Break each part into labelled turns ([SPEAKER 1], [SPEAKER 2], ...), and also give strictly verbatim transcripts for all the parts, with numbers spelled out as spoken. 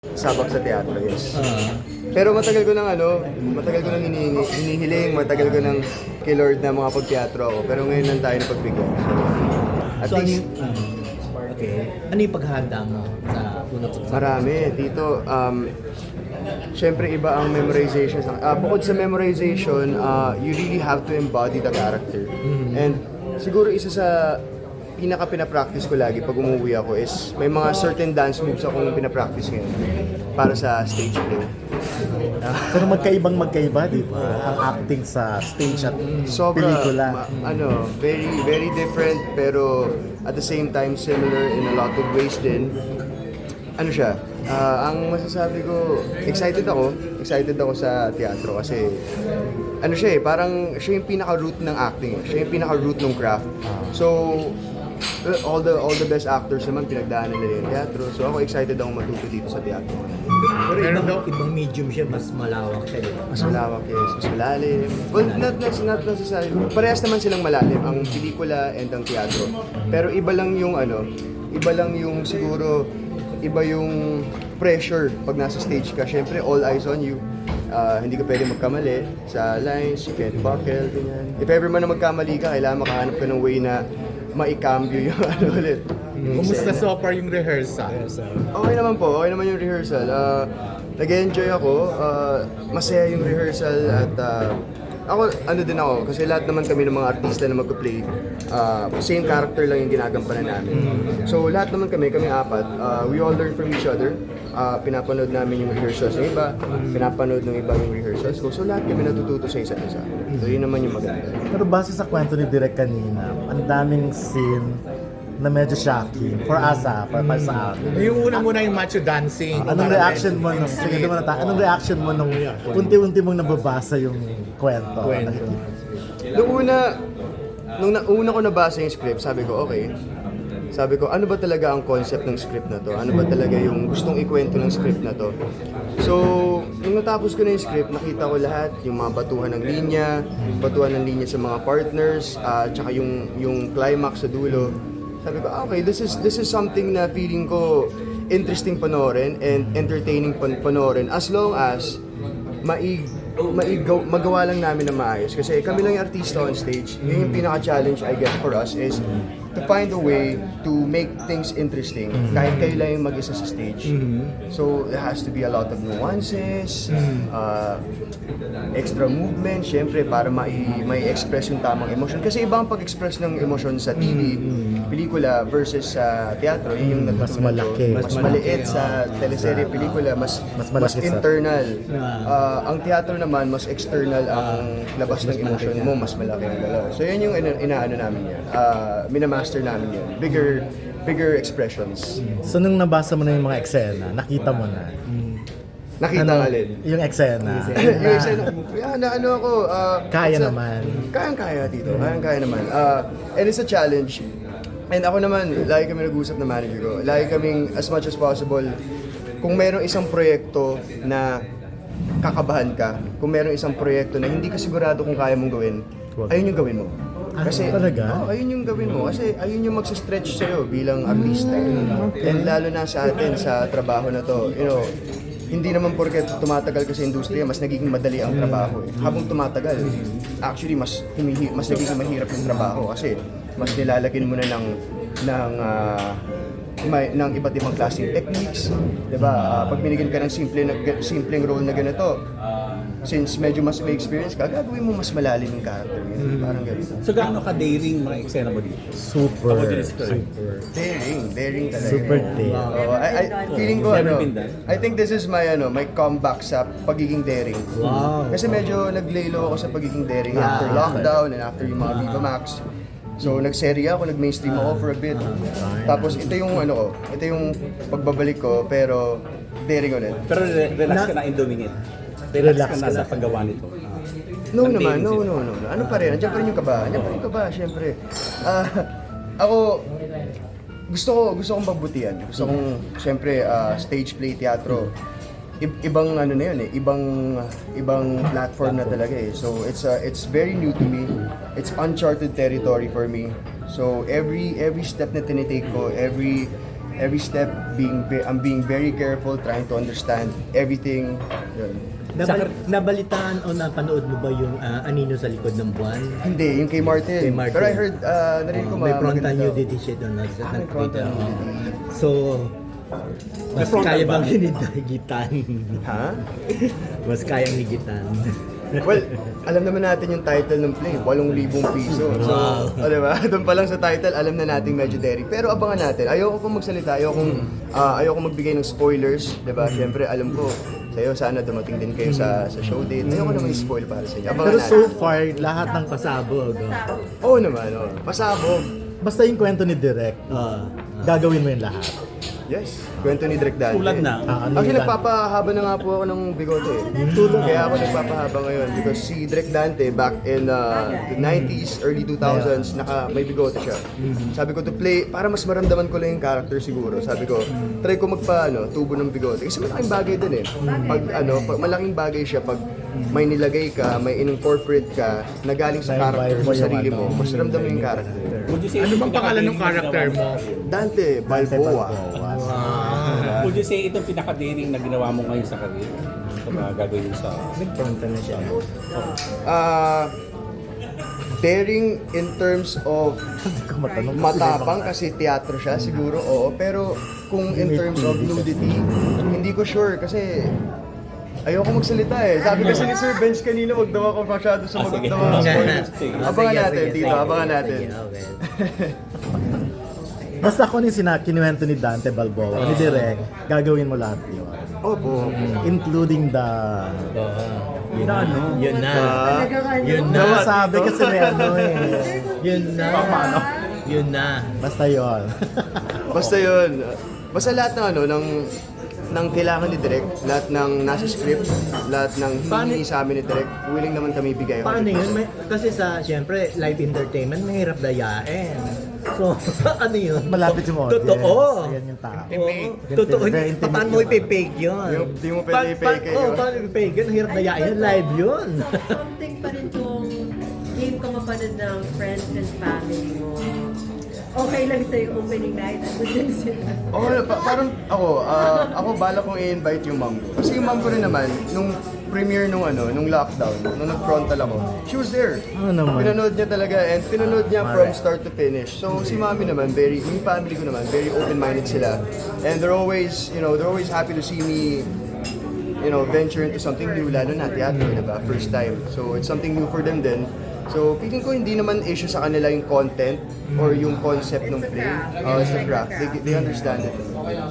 [SPEAKER 1] Sabak sa teatro, yes.
[SPEAKER 2] Ah.
[SPEAKER 1] Pero matagal ko nang ano, matagal ko nang hinihingi, hinihiling, matagal ko nang kay Lord na mga pagteatro ako. Pero ngayon lang tayo napagbigyan. So, at
[SPEAKER 2] So, ano
[SPEAKER 1] least,
[SPEAKER 2] yung, ah, okay. Ano yung paghahanda mo sa unang pagsama?
[SPEAKER 1] marami. Dito, um, syempre iba ang memorization. Uh, bukod sa memorization, uh, you really have to embody the character. And siguro isa sa pinaka pinapractice ko lagi pag umuwi ako is may mga certain dance moves akong pinapractice ngayon para sa stage play.
[SPEAKER 3] Pero magkaibang magkaiba, di ba? Ang acting sa stage at
[SPEAKER 1] Sobra,
[SPEAKER 3] pelikula.
[SPEAKER 1] ma- ano, very, very different pero at the same time similar in a lot of ways din. Ano siya, ah, ang masasabi ko, excited ako, excited ako sa teatro kasi ano siya eh, parang siya yung pinaka-root ng acting, eh. Siya yung pinaka-root ng craft. So, uh, all the all the best actors naman pinagdaanan nila yung teatro. So ako excited ako matuto dito sa teatro.
[SPEAKER 2] Pero ibang, ibang medium siya, mas malawak siya, di ba?
[SPEAKER 1] Mas malawak yes, mas malalim. Well, not, not, not necessarily. Parehas naman silang malalim, ang pelikula and ang teatro. Pero iba lang yung ano, iba lang yung siguro, iba yung pressure pag nasa stage ka. Siyempre, all eyes on you. Ah, hindi ka pwede magkamali sa lines, you can't buckle, ganyan. If ever man na magkamali ka, kailangan makahanap ka ng way na maikambyo yung ano ulit. Yung
[SPEAKER 4] Kumusta
[SPEAKER 1] eksena.
[SPEAKER 4] so far yung rehearsal?
[SPEAKER 1] Okay naman po, okay naman yung rehearsal. Uh, nag-enjoy ako, uh, masaya yung rehearsal at uh, ako, ano din ako, kasi lahat naman kami ng mga artista na magpa-play, uh, same character lang yung ginagampanan namin. So lahat naman kami, kami apat, uh, we all learn from each other. Uh, pinapanood namin yung rehearsals ng iba, pinapanood ng iba yung rehearsals ko. So lahat kami natututo sa isa't isa. So yun naman yung maganda.
[SPEAKER 3] Pero base sa kwento ni Direk kanina, ang daming scene na medyo shocking. For us ah, para, para sa akin.
[SPEAKER 4] Yung una muna yung macho dancing.
[SPEAKER 3] Anong reaction mo nung, sige, doon muna tayo. Anong reaction mo nung unti-unti mong nababasa yung kwento?
[SPEAKER 4] Kwento.
[SPEAKER 1] Nung una, nung na, una ko nabasa yung script, sabi ko, okay. Sabi ko, ano ba talaga ang concept ng script na to? Ano ba talaga yung gustong ikwento ng script na to? So, nung natapos ko na yung script, nakita ko lahat, yung mga batuhan ng linya, batuhan ng linya sa mga partners, uh, tsaka yung, yung climax sa dulo. Sabi ko, ah, okay, this is this is something na feeling ko interesting panoorin and entertaining pan panoorin as long as maig maigaw, magawa lang namin na maayos. Kasi kami lang yung artista on stage. Yun yung pinaka-challenge, I guess, for us is to find a way to make things interesting kahit kayo lang yung mag-isa sa stage. So, there has to be a lot of nuances, uh, extra movement, syempre, para mai- mai-express yung tamang emotion. Kasi iba ang pag-express ng emotion sa T V, pelikula versus sa teatro. Yun yung
[SPEAKER 3] Mas
[SPEAKER 1] natutunan ko.
[SPEAKER 3] malaki.
[SPEAKER 1] Mas maliit sa teleserye, pelikula, mas,
[SPEAKER 3] Mas
[SPEAKER 1] mas,
[SPEAKER 3] malaki sa-
[SPEAKER 1] internal. Ah, ang teatro naman, mas external ang labas ng emotion mo, mas malaki ang galaw. So yun yung ina- inaano namin yan. Uh, minamaster namin yan. Bigger bigger expressions.
[SPEAKER 3] So nung nabasa mo na yung mga eksena, nakita mo na.
[SPEAKER 1] Nakita
[SPEAKER 3] Ano,
[SPEAKER 1] nga alin.
[SPEAKER 3] yung eksena.
[SPEAKER 1] yung
[SPEAKER 3] na
[SPEAKER 1] eksena, yeah, na ano ako, ah,
[SPEAKER 3] Kaya
[SPEAKER 1] it's a-
[SPEAKER 3] naman.
[SPEAKER 1] Kayang-kaya dito, kayang-kaya naman. Ah, and it's a challenge. And ako naman, lagi kami nag-usap na manager ko. Lagi kaming, as much as possible, kung mayroong isang proyekto na kakabahan ka, kung mayroong isang proyekto na hindi ka sigurado kung kaya mong gawin, ayun yung gawin mo.
[SPEAKER 3] Ah,
[SPEAKER 1] Kasi,
[SPEAKER 3] talaga?
[SPEAKER 1] Oo, ayun yung gawin mo. Kasi ayun yung magsa-stretch sa'yo bilang artista. And lalo na sa atin, sa trabaho na to, you know, hindi naman porket tumatagal ka sa industriya, mas nagiging madali ang trabaho. Eh. Habang tumatagal, actually, mas, humihi, mas nagiging mahirap yung trabaho kasi mas nilalagyan mo na ng, ng ah, may, ng iba't ibang klaseng techniques, 'di ba? Ah, pag binigyan ka ng simple na simpleng role na ganito, since medyo mas may experience ka, gagawin mo mas malalim yung character mo. Parang ganito.
[SPEAKER 5] So gaano ka-daring mga eksena mo dito?
[SPEAKER 3] Super.
[SPEAKER 5] Super.
[SPEAKER 1] Daring, daring talaga.
[SPEAKER 3] Super daring.
[SPEAKER 1] Oo, I, I, feeling ko
[SPEAKER 5] Never
[SPEAKER 1] ano,
[SPEAKER 5] been done.
[SPEAKER 1] I think this is my ano, my comeback sa pagiging daring.
[SPEAKER 2] Wow.
[SPEAKER 1] Kasi medyo nag-lay low ako sa pagiging daring after lockdown and after yung mga Viva Max. So nagserye ako, nag-mainstream ako for a bit. Tapos ito yung ano ko, ito yung pagbabalik ko pero daring ulit.
[SPEAKER 5] Pero re- relax ka na in doing it. Relax,
[SPEAKER 3] Relax
[SPEAKER 5] ka na
[SPEAKER 3] ka
[SPEAKER 5] sa
[SPEAKER 3] na.
[SPEAKER 5] paggawa nito.
[SPEAKER 1] No
[SPEAKER 5] Ang
[SPEAKER 1] naman,
[SPEAKER 5] daring
[SPEAKER 1] no,
[SPEAKER 5] sila.
[SPEAKER 1] no, no, no. Ano pa rin, nandiyan pa rin yung kaba. Nandiyan pa rin yung kaba, syempre. Ah, ako, gusto ko, gusto kong pagbutihan. Gusto kong, syempre, ah, stage play, teatro. I- ibang ano na yun eh, ibang ibang platform na talaga eh. So it's uh, it's very new to me. It's uncharted territory for me. So every every step na tinitake ko, every every step, being ve- I'm being very careful, trying to understand everything. Yun.
[SPEAKER 2] Nabal- nabalitaan o napanood mo ba yung ah, Anino sa likod ng buwan?
[SPEAKER 1] Hindi, yung kay Martin.
[SPEAKER 2] Kay Martin.
[SPEAKER 1] Pero I heard, uh, narinig ko
[SPEAKER 2] May
[SPEAKER 1] ma-
[SPEAKER 2] frontal
[SPEAKER 1] maganda daw.
[SPEAKER 2] nudity siya doon. Sa
[SPEAKER 1] Ah, may frontal nudity.
[SPEAKER 2] So, mas
[SPEAKER 5] frontal
[SPEAKER 2] kaya
[SPEAKER 5] ba?
[SPEAKER 2] bang hinigitan?
[SPEAKER 1] Ha?
[SPEAKER 2] Mas kayang higitan.
[SPEAKER 1] Well, alam naman natin yung title ng play, walong libong piso. So,
[SPEAKER 2] Wow.
[SPEAKER 1] o diba? Doon pa lang sa title, alam na natin medyo daring. Pero abangan natin. Ayoko pong magsalita, ayoko, uh, ayoko magbigay ng spoilers, diba? Siyempre, alam ko, sa'yo sana dumating din kayo sa sa show date. Ayoko naman i-spoil para sa inyo. Abangan
[SPEAKER 3] Pero so
[SPEAKER 1] natin.
[SPEAKER 3] far, lahat ng...
[SPEAKER 2] Pasabog. oh.
[SPEAKER 1] Oo naman, oh. Pasabog.
[SPEAKER 3] Basta yung kwento ni Direk,
[SPEAKER 2] Ah.
[SPEAKER 3] gagawin mo yung lahat.
[SPEAKER 1] Yes, kwento ni Direk Dante.
[SPEAKER 5] Tulad na.
[SPEAKER 3] Ah, ano
[SPEAKER 1] Actually,
[SPEAKER 3] yung-
[SPEAKER 1] nagpapahaba na nga po ako ng bigote. eh.
[SPEAKER 3] Tulad.
[SPEAKER 1] Kaya ako nagpapahaba ngayon because si Direk Dante back in uh, the nineties, early two thousands, naka may bigote siya. Sabi ko to play, para mas maramdaman ko lang yung character siguro. Sabi ko, try ko magpa ano, tubo ng bigote. Kasi malaking bagay din eh. Pag ano, pag, malaking bagay siya pag may nilagay ka, may in-incorporate ka na galing sa
[SPEAKER 3] May
[SPEAKER 1] character
[SPEAKER 3] vibe
[SPEAKER 1] mo
[SPEAKER 3] mo
[SPEAKER 1] sa
[SPEAKER 3] yung
[SPEAKER 1] sarili
[SPEAKER 3] ano.
[SPEAKER 1] mo, mas ramdam mo yung character.
[SPEAKER 5] Would you say
[SPEAKER 4] Ano
[SPEAKER 5] itong
[SPEAKER 4] bang pangalan ng
[SPEAKER 5] pinaka-daring
[SPEAKER 4] character
[SPEAKER 5] na ginawa
[SPEAKER 4] mo?
[SPEAKER 1] Dante Balboa.
[SPEAKER 5] mo? Would you say itong pinaka-daring na ginawa mo ngayon sa career? Ito na gagawin sa...
[SPEAKER 2] Nag-frontal na siya.
[SPEAKER 1] Ah, daring in terms of
[SPEAKER 3] Hindi ko matanong.
[SPEAKER 1] matapang kasi teatro siya siguro, oo. Pero kung in terms of nudity, hindi ko sure kasi ayoko magsalita eh. Sabi kasi ni Sir Bench kanina, wag daw ako masyado sumagot
[SPEAKER 5] Ah, sige.
[SPEAKER 1] ng mga spoilers.
[SPEAKER 5] Sige.
[SPEAKER 1] Abangan
[SPEAKER 2] Sige,
[SPEAKER 1] natin,
[SPEAKER 2] sige,
[SPEAKER 1] dito,
[SPEAKER 2] sige.
[SPEAKER 1] abangan natin.
[SPEAKER 2] Sige, okay.
[SPEAKER 3] Basta kung yung sina- kinuwento ni Dante Balboa, ni Direk, gagawin mo lahat yun.
[SPEAKER 1] Opo.
[SPEAKER 3] Including the...
[SPEAKER 2] Yun na, ano? Yun na.
[SPEAKER 1] Ah,
[SPEAKER 2] Yun na.
[SPEAKER 3] Diba sabi kasi may ano eh.
[SPEAKER 2] Yun na. Yun na.
[SPEAKER 3] Basta yun.
[SPEAKER 1] basta yun. Basta lahat ng ano, ng ng kailangan ni Direk, lahat ng nasa script, lahat ng
[SPEAKER 2] Paano-
[SPEAKER 1] hinihingi sa amin ni Direk, willing naman kami bigay.
[SPEAKER 2] Paano yun? May, kasi sa, siyempre, live entertainment, mahirap dayain. So, ano yun?
[SPEAKER 3] Malapit yung audience.
[SPEAKER 2] Totoo.
[SPEAKER 3] Ayan yung tao.
[SPEAKER 2] Oo. Totoo.
[SPEAKER 3] Very intimate
[SPEAKER 2] Paano mo
[SPEAKER 3] yun.
[SPEAKER 2] ipipake yun?
[SPEAKER 1] Yung- di mo pwede
[SPEAKER 2] Pa- pa-
[SPEAKER 1] i-fake eh,
[SPEAKER 2] Oo,
[SPEAKER 1] yun.
[SPEAKER 2] paano ipipake yun? Hirap dayain yun. Live yun.
[SPEAKER 6] Something pa rin kung game ka mapanood ng friends and family mo. Okay lang sa'yo opening night at din sila.
[SPEAKER 1] Oo, pa- parang ako, ah, ako bala kong i-invite yung mom ko. Kasi yung mom ko rin naman, nung premiere nung ano, nung lockdown, nung nag-frontal ako, she was there.
[SPEAKER 3] Ah, naman.
[SPEAKER 1] Pinanood niya talaga and pinanood niya from
[SPEAKER 3] Alright.
[SPEAKER 1] start to finish. So si mami naman, very, yung family ko naman, very open-minded sila. And they're always, you know, they're always happy to see me you know, venture into something new, lalo na teatro, diba? First time. So it's something new for them din. So feeling ko hindi naman issue sa kanila yung content or yung concept ng play. Uh, it's the craft. They, they understand it.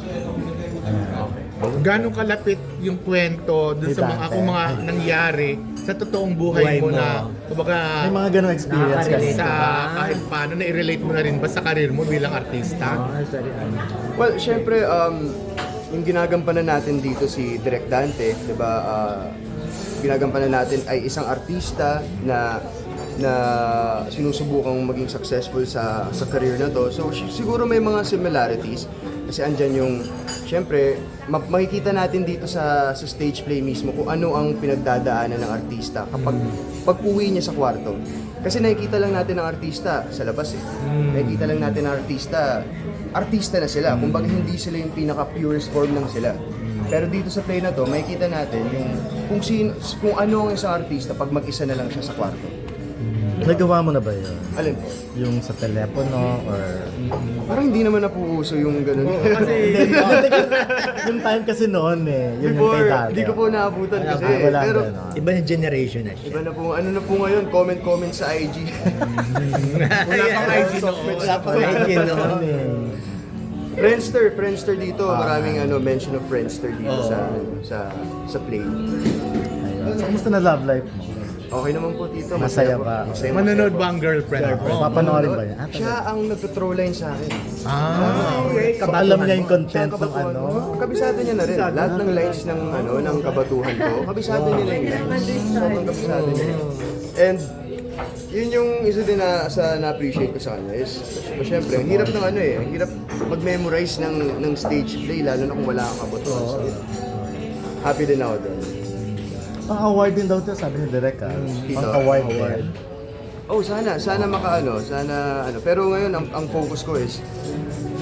[SPEAKER 4] Gano'ng kalapit yung kwento dun
[SPEAKER 3] Ni
[SPEAKER 4] sa mga,
[SPEAKER 3] Dante.
[SPEAKER 4] kung mga nangyari sa totoong buhay,
[SPEAKER 2] Buhay
[SPEAKER 4] mo,
[SPEAKER 2] mo.
[SPEAKER 4] na kumbaga
[SPEAKER 3] May mga ganong experience kasi.
[SPEAKER 2] Nakaka-relate.
[SPEAKER 4] sa
[SPEAKER 2] Diba?
[SPEAKER 4] kahit paano na-relate mo na rin ba sa karir mo bilang artista?
[SPEAKER 2] Ah, sorry. ano.
[SPEAKER 1] Well, syempre, um, yung ginagampanan natin dito si Direk Dante, di ba, ah, ginagampanan natin ay isang artista na na sinusubukang maging successful sa sa career na to. So si- siguro may mga similarities kasi andyan yung syempre ma- makikita natin dito sa sa stage play mismo kung ano ang pinagdadaanan ng artista kapag pag-uwi niya sa kwarto. Kasi nakikita lang natin ang artista sa labas eh. Nakikita lang natin ang artista, artista na sila. Kumbaga hindi sila yung pinaka-purest form lang sila. Pero dito sa play na to, makikita natin yung kung sin, kung ano ang isang artista pag mag-isa na lang siya sa kwarto.
[SPEAKER 3] Nagawa mo na ba yun?
[SPEAKER 1] Alin po?
[SPEAKER 3] Yung sa telepono or...
[SPEAKER 1] Parang hindi naman napuuso yung ganun.
[SPEAKER 3] Kasi yung time kasi noon eh. Yun yung
[SPEAKER 1] Before,
[SPEAKER 3] kay Dante.
[SPEAKER 1] hindi ko po naabutan kasi.
[SPEAKER 3] Ah, wala
[SPEAKER 1] Pero
[SPEAKER 3] ganun.
[SPEAKER 2] Iba yung generation na siya.
[SPEAKER 1] iba na po, ano na po ngayon, comment-comment sa I G.
[SPEAKER 4] Wala pang I G noon.
[SPEAKER 2] Wala pang I G noon.
[SPEAKER 3] Ano eh.
[SPEAKER 1] Friendster, Friendster dito. Maraming ano mention of Friendster dito
[SPEAKER 2] Oo.
[SPEAKER 1] sa sa sa play.
[SPEAKER 3] Ayun. So, kumusta na love life mo?
[SPEAKER 1] Okay naman po dito.
[SPEAKER 3] Masaya
[SPEAKER 1] po.
[SPEAKER 3] ba?
[SPEAKER 1] Masaya,
[SPEAKER 4] Manonood ba ang girlfriend mo?
[SPEAKER 3] Papanoorin ba yan? Ah,
[SPEAKER 1] Siya ang nagtutroll line sa akin.
[SPEAKER 4] Ah,
[SPEAKER 2] Okay,
[SPEAKER 3] So, alam niya yung
[SPEAKER 1] Siya
[SPEAKER 3] content
[SPEAKER 1] ang
[SPEAKER 3] ng
[SPEAKER 1] kabatuhan
[SPEAKER 3] ano?
[SPEAKER 1] ko. Kabisado niya na rin. Lahat ng lines ng ano ng kabatuhan ko, kabisado niya na yung lines. Sobrang kabisado niya. And yun yung isa din na sa na-appreciate ko sa kanya is syempre, ang hirap ng ano eh, ang hirap mag-memorize ng ng stage play lalo na kung wala kang kabatuhan. So, happy din ako doon.
[SPEAKER 3] Pang award din daw ito, sabi ni Direk ah.
[SPEAKER 1] Dito.
[SPEAKER 3] Pang award din.
[SPEAKER 1] Oh, sana, sana makaano, sana ano. Pero ngayon ang, ang focus ko is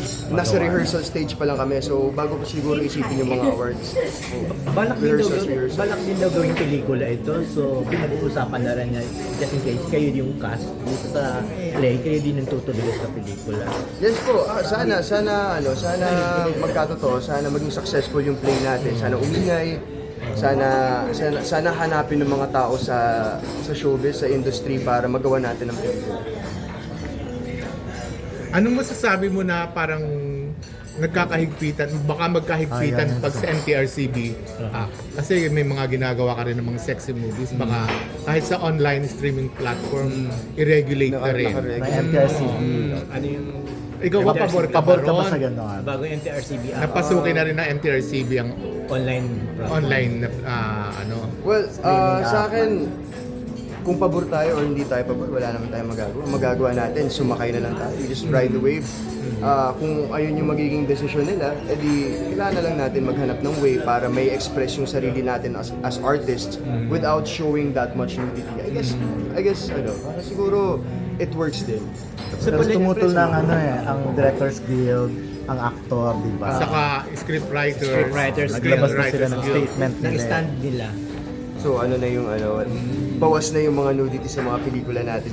[SPEAKER 1] nasa
[SPEAKER 3] magawa.
[SPEAKER 1] rehearsal stage pa lang kami. So, bago pa siguro isipin yung mga awards.
[SPEAKER 2] Balak din daw,
[SPEAKER 1] Rehearsals, rehearsals.
[SPEAKER 2] balak din daw gawing pelikula ito. So, pinag-uusapan na rin niya, just in case kayo yung cast dito sa play, kayo din ang tutuloy sa pelikula.
[SPEAKER 1] Yes po, ah, sana, sana, ano, sana magkatotoo, sana maging successful yung play natin. Sana umingay, sana, sana, sana hanapin ng mga tao sa sa showbiz, sa industry para magawa natin ang pelikula.
[SPEAKER 4] Anong masasabi mo na parang nagkakahigpitan, baka magkahigpitan
[SPEAKER 3] Ayan.
[SPEAKER 4] pag sa M T R C B? Ah, kasi may mga ginagawa ka rin ng mga sexy movies, baka kahit sa online streaming platform, i-regulate na rin.
[SPEAKER 1] Naka-regulate.
[SPEAKER 3] Ng M T R C B.
[SPEAKER 2] Ano yung
[SPEAKER 4] Ikaw ba pabor ka ba
[SPEAKER 3] Pabor ka ba
[SPEAKER 4] ron?
[SPEAKER 3] sa gano'n?
[SPEAKER 2] bago yung M T R C B ang
[SPEAKER 4] Napasukin na rin ng M T R C B ang
[SPEAKER 2] online platform?
[SPEAKER 4] online na ah, ano.
[SPEAKER 1] Well, ah, sa akin, kung pabor tayo or hindi tayo pabor, wala naman tayong magagawa. Ang magagawa natin, sumakay na lang tayo. We just ride the wave. Ah, kung ayun yung magiging desisyon nila, edi kailangan na lang natin maghanap ng way para may express yung sarili natin as as artists without showing that much nudity. I guess, I guess, ano, para siguro it works din.
[SPEAKER 3] Tapos tumutol ng ano eh, ang Directors Guild, ang actor, di ba?
[SPEAKER 4] Saka scriptwriters,
[SPEAKER 2] Scriptwriters,
[SPEAKER 3] Naglabas na sila ng
[SPEAKER 4] Guild.
[SPEAKER 3] statement
[SPEAKER 2] ng
[SPEAKER 3] nila.
[SPEAKER 2] stand nila.
[SPEAKER 1] So ano na yung ano, bawas na yung mga nudity sa mga pelikula natin.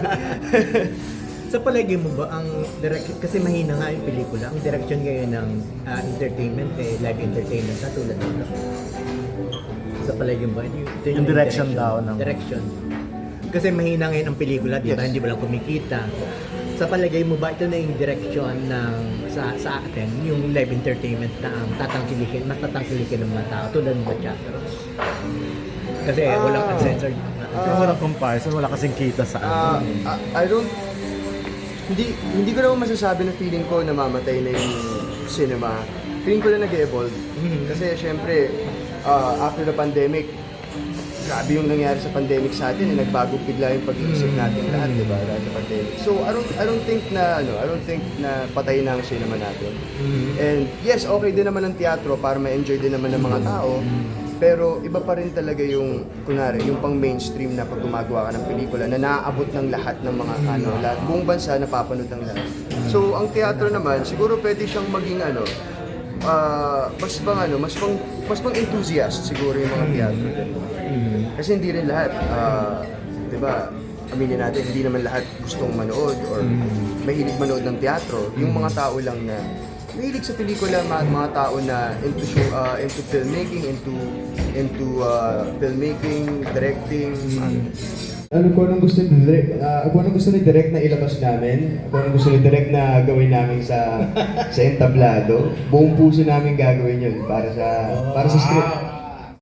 [SPEAKER 2] Sa palagay mo ba ang direction, kasi mahina nga yung pelikula, ang direction ngayon ng ah, entertainment, eh, live entertainment na tulad nito? Sa palagay mo ba? Yung, ito
[SPEAKER 3] Yung direction daw ng-
[SPEAKER 2] Direction. Kasi mahina ngayon ang pelikula, di ba?
[SPEAKER 1] Yes.
[SPEAKER 2] Hindi ba lang kumikita? Sa palagay mo ba ito na yung direction ng sa sa atin, yung live entertainment na ang tatangkilikin, mas tatangkilikin ng mga tao tulad ng teatro? Kasi walang
[SPEAKER 1] Ah.
[SPEAKER 2] uncensored.
[SPEAKER 3] Yung walang comparison, wala kasing kita sa ano.
[SPEAKER 1] Ah, ah, I don't hindi hindi ko naman masasabi na feeling ko namamatay na yung cinema. Feeling ko na nag-evolve. Kasi syempre, ah, after the pandemic, grabe yung nangyari sa pandemic sa atin, eh, nagbago bigla yung pag-iisip natin lahat, di ba? Dahil sa pandemic. So, I don't, I don't think na, ano, I don't think na patay na ang cinema natin. And yes, okay din naman ang teatro para ma-enjoy din naman ng mga tao. Pero iba pa rin talaga yung, kunwari, yung pang mainstream na pag gumagawa ka ng pelikula na naaabot ng lahat ng mga, ano, lahat, buong bansa napapanood ng lahat. So, ang teatro naman, siguro pwede siyang maging, ano, ah, mas pang, ano, mas pang, mas pang enthusiast siguro yung mga teatro. Kasi hindi rin lahat, ah, di ba, aminin natin, hindi naman lahat gustong manood or mahilig manood ng teatro. Yung mga tao lang na mahilig sa pelikula, mga, mga tao na into show, ah, into filmmaking, into into ah, filmmaking, directing.
[SPEAKER 7] Ano ko anong gusto ni direct, ah, kung anong gusto ni direct na ilabas namin, kung anong gusto ni direct na gawin namin sa sa entablado, buong puso namin gagawin yun para sa para sa script.